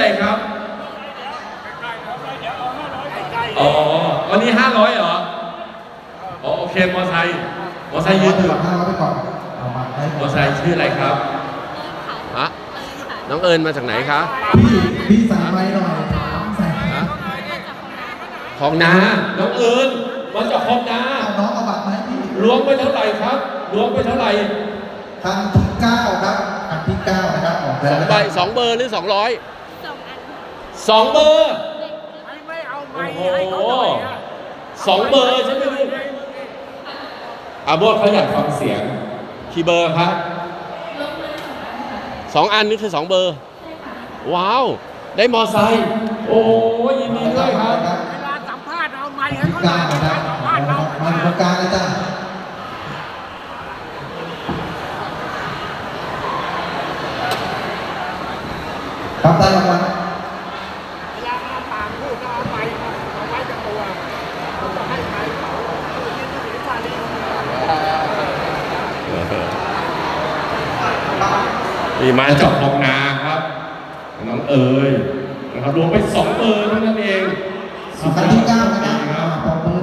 อะไรครับอ๋อวันนี้500เหรออ๋อโอเคมอไซค์ยืนอยู่ 500ไปก่อนมอไซค์ชื่ออะไรครับฮะน้องเอิญมาจากไหนคะพี่ใส่ไม้หน่อยใส่ของนาน้องเอิญมาจากของนาน้องเอาบัตรมาให้พี่ล้วงไปเท่าไหร่ครับล้วงไปเท่าไหร่ครั้งที่9ครับครั้งที่9นะครับออกแล้ว 2 ใบ 2 เบอร์หรือ200 2 เบอร์ไม่เอาไม้โอ้โหให้เขาหน่อย 2 เบอร์ใช่ไหมลูกอาโบดเขาอยากฟังเสียงกี่เบอร์ครับ2 อันนี่คือ2 เบอร์ว้าวได้มอไซค์โอ้ยินดีด้วยครับเวลาสัมภาษณ์เอาไม้ให้เขาหน่กาอยรนะครับสัมภาษณ์เรามาดูการเลยจ้ะครับได้รางวัลเวลาเอาปากพูดก็เอาไม้เอาไว้กับตัวผมจะให้ไม้เขาที่เสียมาเลยนี่มาจากคลองนาครับน้องเอ๋ยนะครับรวมไป2 เบอร์เท่านั้นเองครั้งที่9นะครับ